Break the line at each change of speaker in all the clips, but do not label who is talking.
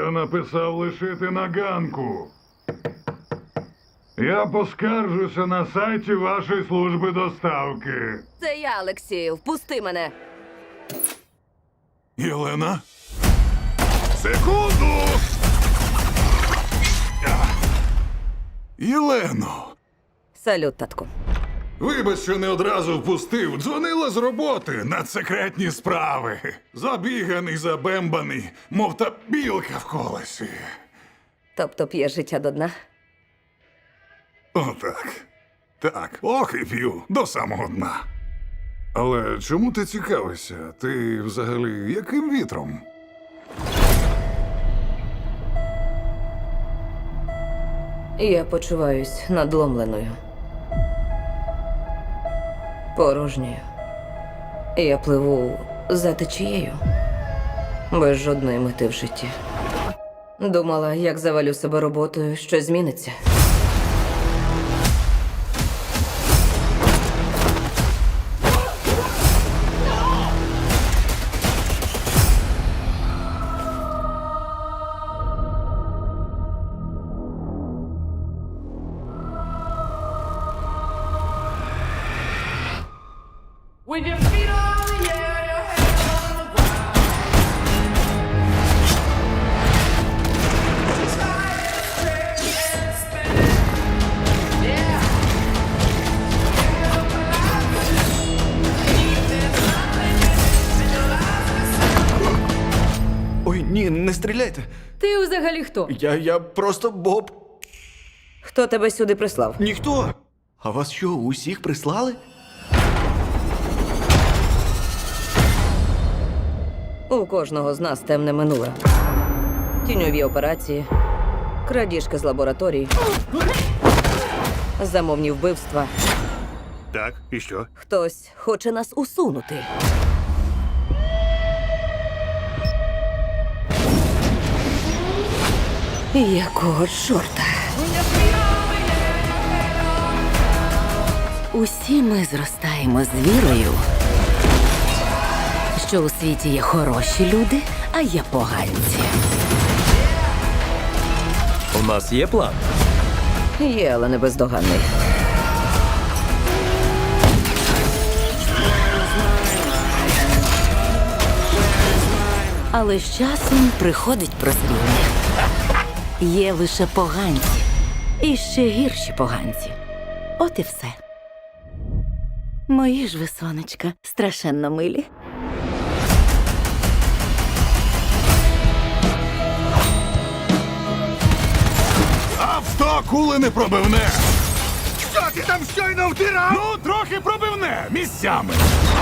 Я написав лишити на ганку. Я поскаржуся на сайті вашої служби доставки.
Це я, Олексію. Впусти мене.
Єлена? Секунду! Єлено!
Салют, татку.
Вибач, що не одразу впустив. Дзвонила з роботи на секретні справи. Забіганий, забембаний, мов та білка в колесі.
Тобто п'є життя до дна?
Отак. Так, ох і п'ю до самого дна. Але чому ти цікавишся? Ти взагалі яким вітром?
Я почуваюсь надломленою. Порожньою. Я пливу за течією. Без жодної мети в житті. Думала, як завалю себе роботою, щось зміниться.
With your feet on the air, your head on the ground. Sky is straight and spinning. Yeah. Get up and out. There's nothing in your life.
Ой, ні, не стріляйте.
Ти взагалі хто?
Я просто Боб.
Хто тебе сюди прислав?
Ніхто. А вас що, усіх прислали?
У кожного з нас темне минуле. Тіньові операції, крадіжки з лабораторій, замовні вбивства.
Так, і що?
Хтось хоче нас усунути. Якого чорта?
Усі ми зростаємо з вірою, що у світі є хороші люди, а є поганці.
У нас є план.
Є, але не бездоганний.
Але з часом приходить прозріння. Є лише поганці. І ще гірші поганці. От і все. Мої ж ви, сонечка, страшенно милі.
Авто кули не пробивне!
Що ти там щойно втирав?
Ну, трохи пробивне місцями.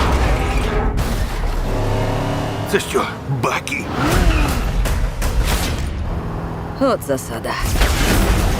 Це що, баки?
От засада.